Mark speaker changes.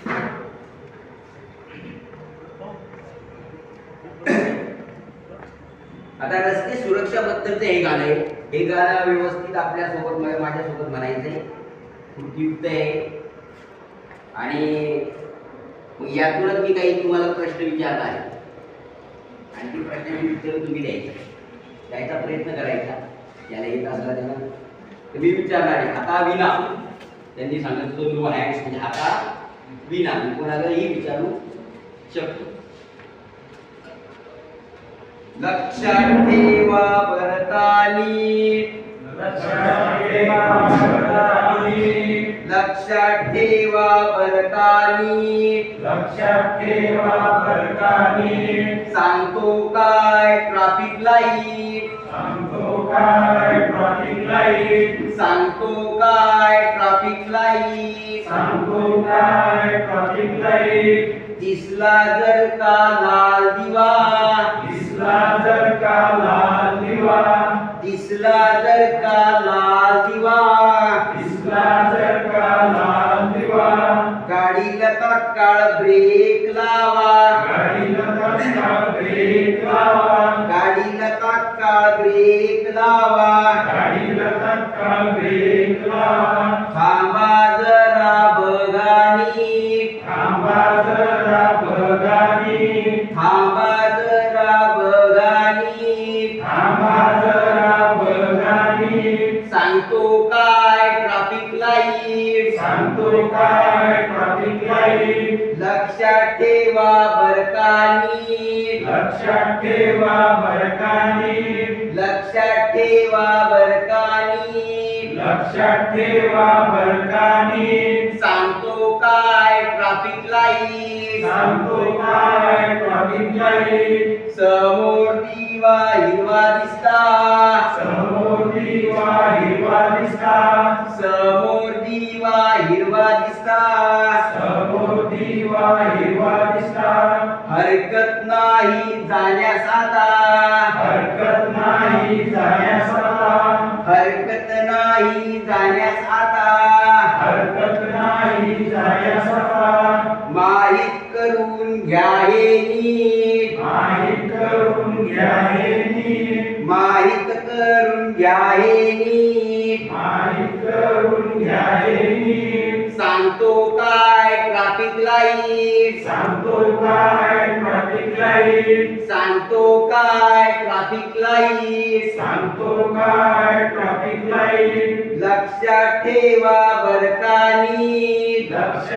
Speaker 1: आता रस्ते सुरक्षा बद्दलचं हे गाणं आहे. हे गाणं व्यवस्थित आपल्या सोबत माझ्यासोबत म्हणायचंय. कृतीयुक्त आहे आणि यातूनच मी काही तुम्हाला प्रश्न विचारणार आहे आणि ती प्रश्नाची उत्तर तुम्ही द्यायचा प्रयत्न करायचा. याला येत असला त्यांना तर मी विचारणार आहे. हाता विना त्यांनी सांगितलं नो हँड्स म्हणजे हाता विना मी कोणालाही विचारू शकतो. लक्षात ठेवा भरतानी,
Speaker 2: लक्षात ठेवा भरतानी,
Speaker 1: लक्षात ठेवा भरतानी,
Speaker 2: लक्षात ठेवा भरतानी.
Speaker 1: सांगतो काय ट्रॅफिक लाईट,
Speaker 2: सांगतो काय ट्रॅफिक लाईट,
Speaker 1: सांगतो काय ट्रॅफिक लाईट,
Speaker 2: सांगतो काय ट्रॅफिक लाईट.
Speaker 1: दिसला जर का लाल दिवा,
Speaker 2: दिसला जर का लाल दिवा,
Speaker 1: दिसला जर का लाल दिवा,
Speaker 2: दिसला जर का लाल दिवा.
Speaker 1: गाडीला तात्काळ ब्रेक लावा,
Speaker 2: गाडीला तात्काळ ब्रेक लावा,
Speaker 1: गाडीला तात्काळ ब्रेक लावा,
Speaker 2: गाडीला तात्काळ ब्रेक लावा.
Speaker 1: थांबा जरा बघानी,
Speaker 2: थांबा जरा बघानी,
Speaker 1: थांबा जरा बघानी,
Speaker 2: थांबा जरा बघानी.
Speaker 1: सांगतो काय ट्रॅफिक लाईट,
Speaker 2: सांगतो काय ट्रॅफिक लाईट.
Speaker 1: लक्षात ठेवा बरकानी,
Speaker 2: लक्षात ठेवा बरकानी,
Speaker 1: लक्षात ठेवा बरकानी,
Speaker 2: लक्षात ठेवा बरकानी.
Speaker 1: सांगतो काय ट्रॅफिक लाईट,
Speaker 2: सांगतो काय ट्रॅफिक लाईट.
Speaker 1: समोर दिवा हिरवा दिसता,
Speaker 2: समोर दिवा हिरवा दिसता,
Speaker 1: समोर दिवा हिरवा दिसता,
Speaker 2: समोर दिवा हिरवा दिसता.
Speaker 1: हरकत नाही जाण्यास आता,
Speaker 2: हरकत नाही जाण्यास आता,
Speaker 1: हरकत नाही जाण्यास आता,
Speaker 2: हरकत नाही जाण्यास आता.
Speaker 1: माहित करून घ्या हे नीट,
Speaker 2: माहित करून घ्या हे नीट,
Speaker 1: माहित करून घ्या हे नीट,
Speaker 2: माहित करून घ्या हे नीट.
Speaker 1: सांगतो काय ट्रॅफिक लाईट,
Speaker 2: सांगतो काय ट्रॅफिक लाईट,
Speaker 1: सांगतो काय ट्रॅफिक लाईट,
Speaker 2: सांगतो काय ट्रॅफिक लाईट.
Speaker 1: लक्षात ठेवा बरकानी,
Speaker 2: लक्ष